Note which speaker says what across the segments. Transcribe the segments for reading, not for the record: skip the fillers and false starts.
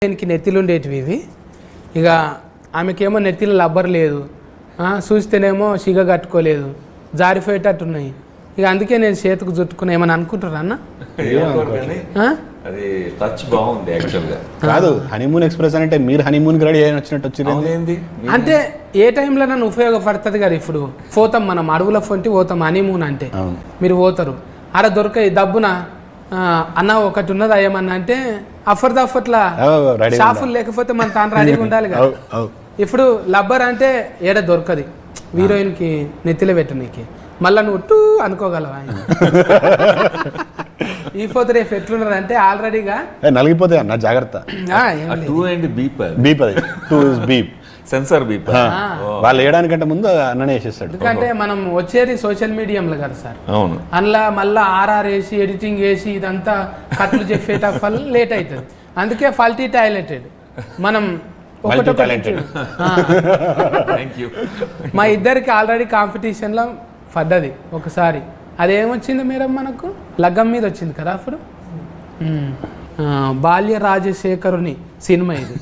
Speaker 1: దీనికి నెత్తిలు ఉండేటివి ఇవి. ఇక ఆమెకేమో నెత్తిలో లబ్బర్ లేదు, చూస్తేనేమో సిగ కట్టుకోలేదు, జారిపోయేటట్టున్నాయి. ఇక అందుకే నేను చేతికి చుట్టుకున్నా. ఏమని అనుకుంటారా అన్న?
Speaker 2: అది టచ్ బాగుంది యాక్చువల్గా.
Speaker 3: కాదు, హనీమూన్ ఎక్స్ప్రెస్ అంటే మీరు హనీమూన్ రెడీ అయిన వచ్చినట్టు వచ్చింది.
Speaker 1: అంటే ఏ టైంలో నన్ను ఉపయోగపడుతుంది కదా. ఇప్పుడు పోతాం మనం అడవుల ఫొంటి పోతాం హనీమూన్ అంటే, మీరు పోతారు అలా దొరకాయి దబ్బున అన్న ఒకటి ఉన్నది అయ్యమన్నా అంటే అఫర్లా షాఫులు లేకపోతే మన తాను రెడీగా ఉండాలి కదా. ఇప్పుడు లబ్బర్ అంటే ఏడ దొరకది హీరోయిన్కి నెత్తిలో పెట్టనీకి. మళ్ళా నువ్వు టూ అనుకోగలవా? ఈ పోతే రేపు ఎట్లున్నది అంటే ఆల్రెడీగా
Speaker 3: నలిగిపోతే అన్న జాగ్రత్త.
Speaker 2: సెన్సార్ బీప్
Speaker 3: వాళ్ళు వేయడానికంటే ముందు అన్ననే వేసేస్తాడు.
Speaker 1: ఎందుకంటే మనం వచ్చేది సోషల్ మీడియంలో కదా సార్.
Speaker 2: అవును,
Speaker 1: అందులో మళ్ళీ ఆర్ఆర్ వేసి ఎడిటింగ్ వేసి ఇదంతా కట్లు చెప్పేట వల్ల లేట్ అవుతుంది. అందుకే ఫల్టీ టాలెంటెడ్ మనం మా ఇద్దరికి ఆల్రెడీ కాంపిటీషన్లో పడ్డది ఒకసారి. అదేమొచ్చింది మేడం మనకు లగ్గం మీద వచ్చింది కదా అప్పుడు. బాల్య రాజశేఖరుని సినిమా ఇది.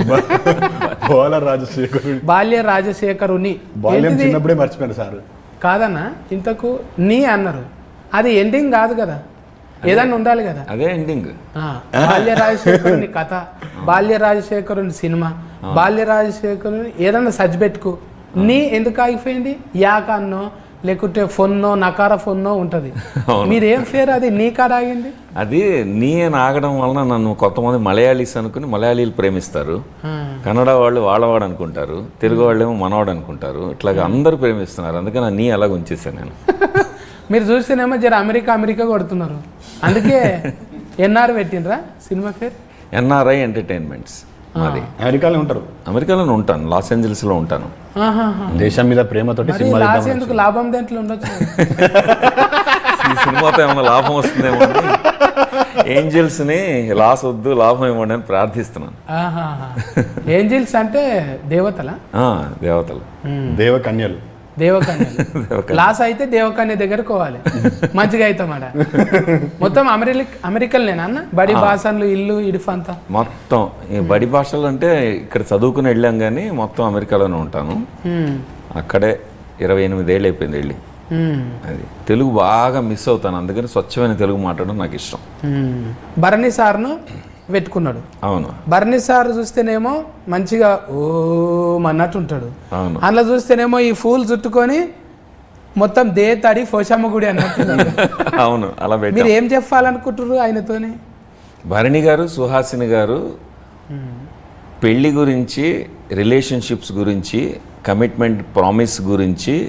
Speaker 1: బాల్య రాజశేఖరుని
Speaker 3: చిన్నప్పుడే మర్చిపోయాను సార్.
Speaker 1: కాదన్నా, ఇంతకు నీ అన్నారు, అది ఎండింగ్ కాదు కదా, ఏదన్నా ఉండాలి కదా.
Speaker 2: అదే ఎండింగ్.
Speaker 1: బాల్య రాజశేఖరుని కథ, బాల్య రాజశేఖరుని సినిమా, బాల్య రాజశేఖరుని ఏదన్నా సజ్ పెట్టుకు. నీ ఎందుకు ఆగిపోయింది? యాక అన్నో లేకుంటే ఫొన్నో నకార ఫొన్నో ఉంటుంది. మీరేం పేరు అది నీ కాడ ఆగింది?
Speaker 2: అది నీ ఆగడం వలన నన్ను కొంతమంది మలయాళీస్ అనుకుని మలయాళీలు ప్రేమిస్తారు, కన్నడ వాళ్ళు వాళ్ళవాడు అనుకుంటారు, తెలుగు వాళ్ళు ఏమో మనవాడు అనుకుంటారు. ఇట్లాగా అందరూ ప్రేమిస్తున్నారు. అందుకని నీ అలాగ ఉంచేసాను నేను.
Speaker 1: మీరు చూస్తేనేమో జర అమెరికా కొడుతున్నారు. అందుకే ఎన్ఆర్ పెట్టినరా సినిమా పేరు?
Speaker 2: NRI entertainments. మాది అమెరికాలోనే ఉంటాను, లాస్ ఏంజల్స్ లో ఉంటాను.
Speaker 3: దేశం మీద ప్రేమతోటి
Speaker 1: ఎందుకు లాభం దేంట్లో ఉండొచ్చు.
Speaker 2: ఈ సినిమాతో ఏమైనా లాభం వస్తుందేమో, ఏంజల్స్ ని లాస్ వద్దు లాభం ఇవ్వండి అని ప్రార్థిస్తున్నాను.
Speaker 1: ఏంజల్స్ అంటే దేవతల
Speaker 2: దేవతలు,
Speaker 3: దేవకన్యలు.
Speaker 1: లాస్ అయితే దేవకన్య దగ్గరకు పోవాలి, మంచిగా అవుతామాట. మొత్తం అమెరికల్నేనా అన్న? బడి భాషలు ఇల్లు ఇడుఫంతా
Speaker 2: మొత్తం ఈ బడి భాషలు అంటే ఇక్కడ చదువుకుని వెళ్ళాం కానీ మొత్తం అమెరికాలోనే ఉంటాను. అక్కడే 28 ఏళ్ళు అయిపోయింది వెళ్ళి. అది తెలుగు బాగా మిస్ అవుతాను, అందుకని స్వచ్ఛమైన తెలుగు మాట్లాడడం నాకు ఇష్టం.
Speaker 1: భరణి సార్ను పెట్టుకున్నాడు.
Speaker 2: అవును,
Speaker 1: భరణి సార్ చూస్తేనేమో మంచిగా ఓ అన్నట్టు ఉంటాడు.
Speaker 2: అవును,
Speaker 1: అందులో చూస్తేనేమో ఈ ఫూల్ చుట్టుకొని మొత్తం తడి పోషమ్మ గుడి అన్నట్టు.
Speaker 2: అవును, అలా
Speaker 1: మీరు ఏం చెప్పాలనుకుంటారు ఆయనతోని?
Speaker 2: భరణి గారు, సుహాసిని గారు పెళ్లి గురించి, రిలేషన్షిప్స్ గురించి, కమిట్మెంట్ ప్రామిస్ గురించి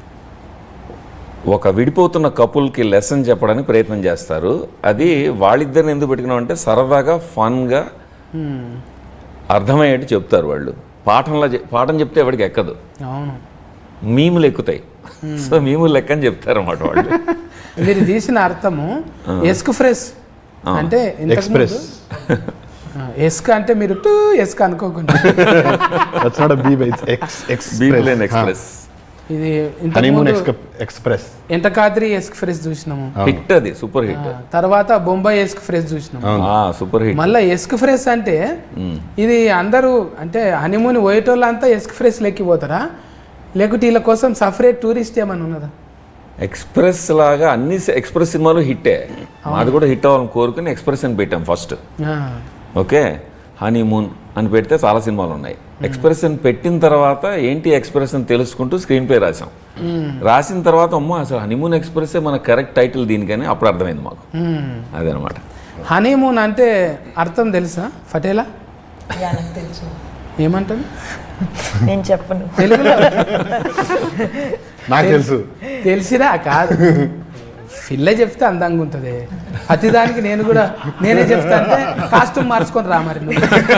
Speaker 2: ఒక విడిపోతున్న కపుల్కి లెసన్ చెప్పడానికి ప్రయత్నం చేస్తారు. అది వాళ్ళిద్దరిని ఎందుకు పెట్టుకున్నాం అంటే సరదాగా ఫన్గా అర్థమయ్యేట్టు చెప్తారు వాళ్ళు. పాఠం చెప్తే ఎవరికి ఎక్కదు, మీములు ఎక్కుతాయి. సో మీములు లెక్క అని చెప్తారు అన్నమాట వాళ్ళు.
Speaker 1: మీరు తీసిన అర్థము ఎస్క్ ఫ్రెష్ అంటే
Speaker 3: ఎక్స్ప్రెస్.
Speaker 1: ఎస్క్ అంటే మీరు టూ ఎస్క్ అనుకోకుండా
Speaker 2: ఎక్స్ప్రెస్.
Speaker 1: ఇది
Speaker 3: ఎక్స్ప్రెస్
Speaker 1: ఎంటకాద్రి ఎస్క్ ఫ్రెష్ చూసినాము,
Speaker 2: హిట్, అది సూపర్ హిట్.
Speaker 1: తర్వాత బొంబాయి ఎస్క్ ఫ్రెష్ చూసినాము,
Speaker 2: సూపర్ హిట్.
Speaker 1: మళ్ళీ ఎస్క్ ఫ్రెష్ అంటే ఇది అందరూ అంటే హనీమూన్ పోయేటోళ్ళంతా ఎస్క్ ఫ్రెష్ లెక్కిపోతారా, లేకుంటే వీళ్ళ కోసం సపరేట్ టూరిస్ట్ ఏమన్నా ఉన్నదా?
Speaker 2: ఎక్స్ప్రెస్ లాగా అన్ని ఎక్స్ప్రెస్ సినిమాలు హిట్టే, మాది కూడా హిట్ అవ్వాలని కోరుకుని ఎక్స్ప్రెస్ అని పెట్టాం ఫస్ట్. ఓకే, హనీమూన్ అని పెడితే చాలా సినిమాలు ఉన్నాయి. ఎక్స్ప్రెస్ అని పెట్టిన తర్వాత ఏంటి ఎక్స్ప్రెస్ అని తెలుసుకుంటూ స్క్రీన్ ప్లే రాసాం. రాసిన తర్వాత అమ్మో అసలు హనీమూన్ ఎక్స్ప్రెస్ మన కరెక్ట్ టైటిల్ దీనికని అప్పుడు అర్థమైంది మాకు. అదనమాట.
Speaker 1: హనీమూన్ అంటే అర్థం తెలుసా ఫటేలా? ఏమంటాను
Speaker 4: నేను చెప్పను,
Speaker 1: తెలుగులో
Speaker 3: నాకు తెలుసు.
Speaker 1: తెలిసినా కాదు, పిల్ల చెప్తే అందంగా ఉంటుంది. ప్రతిదానికి నేనే చెప్తా అంటే కాస్ట్యూమ్ మార్చుకొని రా మరి.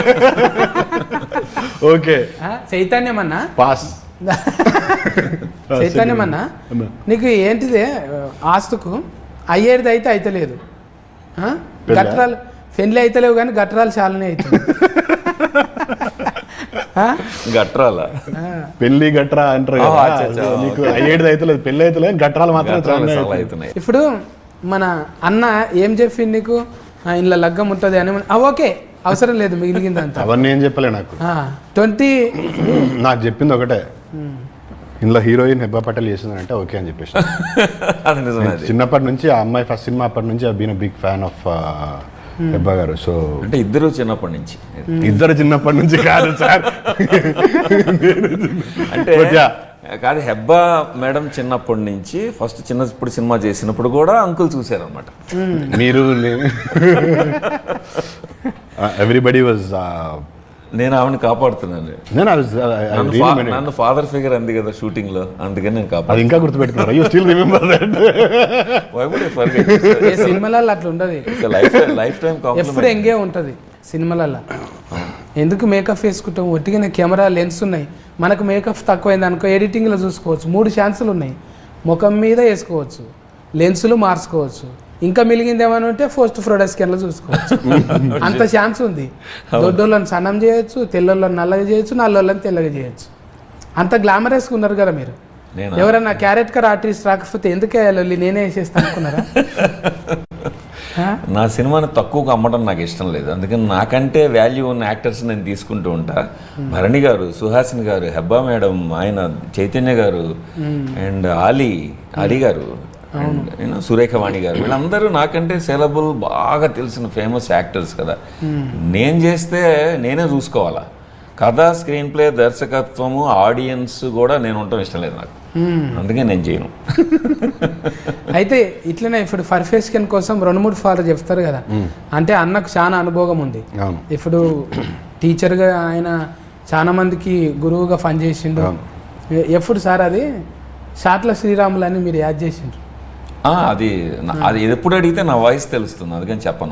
Speaker 3: Okay,
Speaker 1: చైతన్యమన్నా
Speaker 3: pass.
Speaker 1: చైతన్యమన్నా నీకు ఏంటిదే ఆస్తుకు అయ్యేది అయితే అయితలేదు, గట్రాలు పెళ్ళి అయితలేవు కానీ గట్రాలు చాలానే అవుతుంది.
Speaker 2: గట్రాల
Speaker 3: పెళ్లి గట్రా అంటారు కదా, నీకు అయ్యేది అయితే లేదు, పెళ్లి అయితే లేదు, గట్రాలు మాత్రం అవుతున్నాయి.
Speaker 1: ఇప్పుడు మన అన్న ఏం చెప్పింది నీకు? ఇంట్లో లగ్గం ఉంటుంది అని ఓకే అవసరం లేదు మిగిలిందంతా
Speaker 3: అవన్నీ ఏం చెప్పలే నాకు
Speaker 1: 20
Speaker 3: నాకు చెప్పింది ఒకటే ఇందులో హీరోయిన్ హెబ్బా పటేల్ చేసిందంటే ఓకే అని చెప్పేసి
Speaker 2: అది నిజమే అది.
Speaker 3: చిన్నప్పటి నుంచి ఆ అమ్మాయి ఫస్ట్ సినిమా అప్పటి నుంచి I been big fan of Hebba గారు. సో
Speaker 2: అంటే ఇద్దరు చిన్నప్పటి నుంచి
Speaker 3: ఇద్దరు చిన్నప్పటి నుంచి కాదు సార్.
Speaker 2: అంటే కాదు హెబ్బా మేడం చిన్నప్పటి నుంచి ఫస్ట్ చిన్నప్పుడు సినిమా చేసినప్పుడు కూడా అంకుల్ చూశారనమాట.
Speaker 3: మీరు ఎవ్రీబడి వాజ్
Speaker 2: నేను ఆవిడని కాపాడుతున్నాను. నన్ను ఫాదర్ ఫిగర్ అంది కదా షూటింగ్ లో, అందుకని నేను
Speaker 3: అది
Speaker 2: కాపాడు.
Speaker 3: ఇంకా గుర్తుపెట్టుకున్నారు. You still remember that.
Speaker 1: ఏ సినిమాలలో అట్లా ఉండదు,
Speaker 2: లైఫ్ టైం
Speaker 1: ఎప్పుడు ఎంగే ఉంటుంది సినిమాలలో. ఎందుకు మేకప్ వేసుకుంటాం, ఒట్టిగానే కెమెరా లెన్స్ ఉన్నాయి, మనకు మేకప్ తక్కువైంది అనుకో ఎడిటింగ్లో చూసుకోవచ్చు. 3 ఛాన్సులు ఉన్నాయి, ముఖం మీద వేసుకోవచ్చు, లెన్సులు మార్చుకోవచ్చు, ఇంకా మిలిగింది ఏమైనా ఉంటే పోస్ట్ ప్రొడక్ట్స్లో చూసుకోవచ్చు. అంత ఛాన్స్ ఉంది. దొడ్డోళ్ళని సన్నం చేయొచ్చు, తెల్లోళ్ళని నల్లగా చేయొచ్చు, నల్లోళ్ళని తెల్లగా చేయొచ్చు. అంత గ్లామరస్గా ఉన్నారు కదా మీరు. ఎవరన్నా క్యారెక్టర్ ఆర్టిస్ట్ రాకపోతే ఎందుకు వేయాలి, నేనే వేసేస్తాను అనుకున్నారా?
Speaker 2: నా సినిమాని తక్కువగా అమ్మడం నాకు ఇష్టం లేదు, అందుకని నాకంటే వాల్యూ ఉన్న యాక్టర్స్ నేను తీసుకుంటూ ఉంటా. భరణి గారు, సుహాసిని గారు, హెబ్బా మేడం, ఆయన చైతన్య గారు, అండ్ అలీ గారు, అండ్ సురేఖవాణి గారు, వీళ్ళందరూ నాకంటే సెలబుల్ బాగా తెలిసిన ఫేమస్ యాక్టర్స్ కదా. నేను చేస్తే నేనే చూసుకోవాలా. కథ, స్క్రీన్ ప్లే, దర్శకత్వము, ఆడియన్స్ కూడా నేను ఉండటం ఇష్టం లేదు నాకు, అందుకే నేను చేయను.
Speaker 1: అయితే ఇట్లనే ఇప్పుడు పర్ఫెక్షన్ కోసం 2-3 ఫాలో చెప్తారు కదా. అంటే అన్నకు చాలా అనుభవం ఉంది. ఇప్పుడు టీచర్గా ఆయన చాలా మందికి గురువుగా పనిచేసిండు. ఎప్పుడు సార్ అది షాట్ల శ్రీరాములు అని మీరు యాడ్ చేసిండ్రు?
Speaker 2: అది ఎప్పుడు అడిగితే నా వాయిస్ తెలుస్తుంది, అందుకని చెప్పను.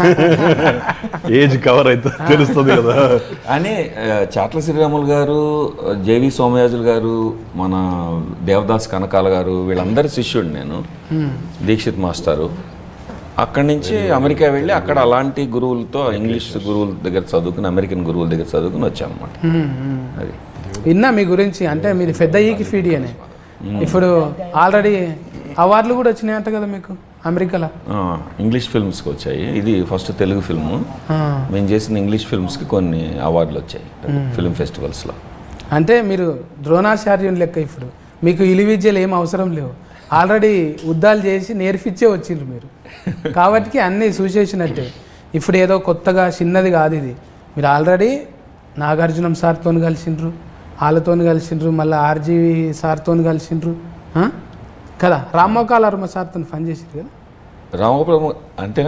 Speaker 3: ఏజ్ కవర్ అయితే తెలుస్తుంది కదా
Speaker 2: అని చాట్ల శ్రీరాములు గారు, జేవి సోమయాజులు గారు, మన దేవదాస్ కనకాల గారు, వీళ్ళందరి శిష్యుడు నేను. దీక్షిత్ మాస్టారు. అక్కడి నుంచి అమెరికా వెళ్ళి అక్కడ అలాంటి గురువులతో, ఇంగ్లీష్ గురువుల దగ్గర చదువుకుని, అమెరికన్ గురువుల దగ్గర చదువుకుని వచ్చామన్నమాట. అది
Speaker 1: విన్నా మీ గురించి. అంటే మీరు పెద్ద ఈకి ఫీడి అని. ఇప్పుడు ఆల్రెడీ అవార్డులు కూడా వచ్చినాయంట కదా మీకు అమెరికాలో.
Speaker 2: ఇంగ్లీష్ ఫిల్మ్స్కి వచ్చాయి. ఇది ఫస్ట్ తెలుగు ఫిల్ము. మేము చేసిన ఇంగ్లీష్ ఫిల్మ్స్కి కొన్ని అవార్డులు వచ్చాయి ఫిల్మ్ ఫెస్టివల్స్లో.
Speaker 1: అంటే మీరు ద్రోణాచార్యుని లెక్క. ఇప్పుడు మీకు ఇలి విద్యలు ఏం అవసరం లేవు, ఆల్రెడీ యుద్ధాలు చేసి నేర్పించే వచ్చిండ్రు మీరు. కాబట్టి అన్నీ చూసేసినట్టే. ఇప్పుడు ఏదో కొత్తగా చిన్నది కాదు ఇది. మీరు ఆల్రెడీ నాగార్జునం సార్తో కలిసిండ్రు, వాళ్ళతో కలిసిండ్రు, మళ్ళీ ఆర్జీవి సార్తో కలిసిండ్రు కదా. రామ్మోకాలర్మ సార్తో పని చేసింది కదా.
Speaker 2: రామగోపాలమ్మ అంటేనా?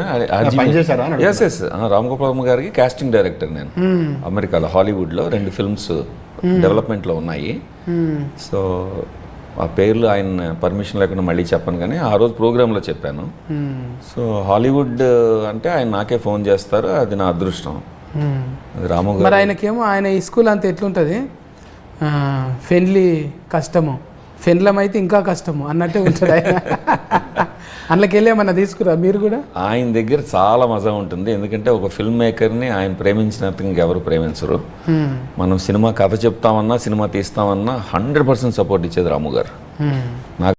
Speaker 2: ఎస్ రామగోపాలమ్మ గారికి కాస్టింగ్ డైరెక్టర్ నేను అమెరికాలో, హాలీవుడ్లో 2 ఫిల్మ్స్ డెవలప్మెంట్లో ఉన్నాయి. సో ఆ పేర్లు ఆయన పర్మిషన్ లేకుండా మళ్ళీ చెప్పను, కానీ ఆ రోజు ప్రోగ్రాంలో చెప్పాను. సో హాలీవుడ్ అంటే ఆయన నాకే ఫోన్ చేస్తారు, అది నా అదృష్టం. అది రాము
Speaker 1: మరి ఆయనకేమో ఆయన ఈ స్కూల్ అంతా ఎట్లుంటుంది, ఫెన్లీ కష్టము, ఫెన్లం అయితే ఇంకా కష్టము అన్నట్టే ఉంటుంది ఆయన. అందులోకి వెళ్ళి ఏమన్నా తీసుకురా మీరు కూడా?
Speaker 2: ఆయన దగ్గర చాలా మజా ఉంటుంది, ఎందుకంటే ఒక ఫిల్మ్ మేకర్ని ఆయన ప్రేమించినంత ఇంకెవరు ప్రేమించరు. మనం సినిమా కథ చెప్తామన్నా, సినిమా తీస్తామన్నా 100% సపోర్ట్ ఇచ్చేది రాము గారు. నాకు